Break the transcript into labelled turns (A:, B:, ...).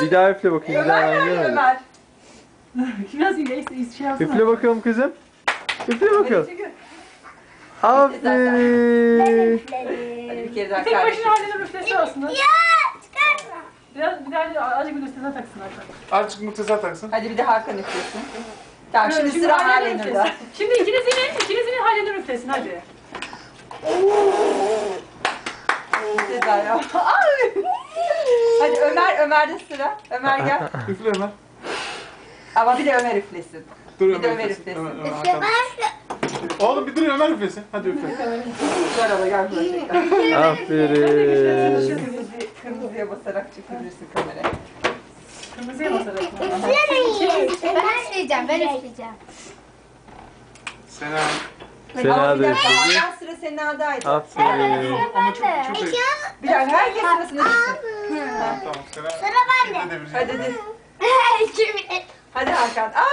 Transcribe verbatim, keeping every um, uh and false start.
A: Bir daha üfle bakayım. Bir daha
B: Ömer
A: ben
B: nerede
A: görmedim.
B: Ömer?
C: Biraz iyileşti, şey yapsana.
A: Üfle bakalım kızım. Üfle bakalım.
B: Çünkü
A: Aferin.
B: hadi bir kere daha
C: Tek
B: kardeşim.
C: başına halinde üflesi aslında.
D: Ya çıkartma.
C: Biraz bir daha azıcık bir üstüne taksın Hakan.
E: Azıcık mutlaka taksın.
B: Hadi bir de Hakan üflesin. Tamam şimdi,
C: Şimdi
B: sıra
C: Halenur
B: Halenur'da.
C: üflesin. Şimdi ikinizinin, ikinizinin Halenur üflesin hadi.
B: Seda ya. Ay! Hadi Ömer, Ömer'de sıra. Ömer gel.
E: Üfle Ömer.
B: Ama bir de Ömer üflesin.
E: Dur
B: Bir de
E: Ömer
B: Ömer
E: üflesin.
B: üflesin.
E: Ömer, Ömer,
D: İşte
E: Hakan.
D: ben
E: Oğlum bir dur Ömer üflesin. Hadi üfle.
B: Gel ama gel buraya.
A: Aferin.
B: Kırmızı, kırmızıya basarak çekebilirsin kamerayı.
C: Kırmızıya basarak.
D: üflemeyin. Ben üfleyeceğim. Ben üfleyeceğim.
E: Sena.
A: Sena
B: Ama bir
A: da
B: dakika,
A: üfledi.
B: Hakan sıra Sena'daydı.
A: Aferin.
E: Ama çok çok iyi.
B: Bir dakika, herkes sırasına gitsin.
E: Tamam Sena.
D: Sıra bende.
E: Şimdi de bir-
B: Hadi hadi.
D: Şimdi.
B: Hadi Hakan. Aa!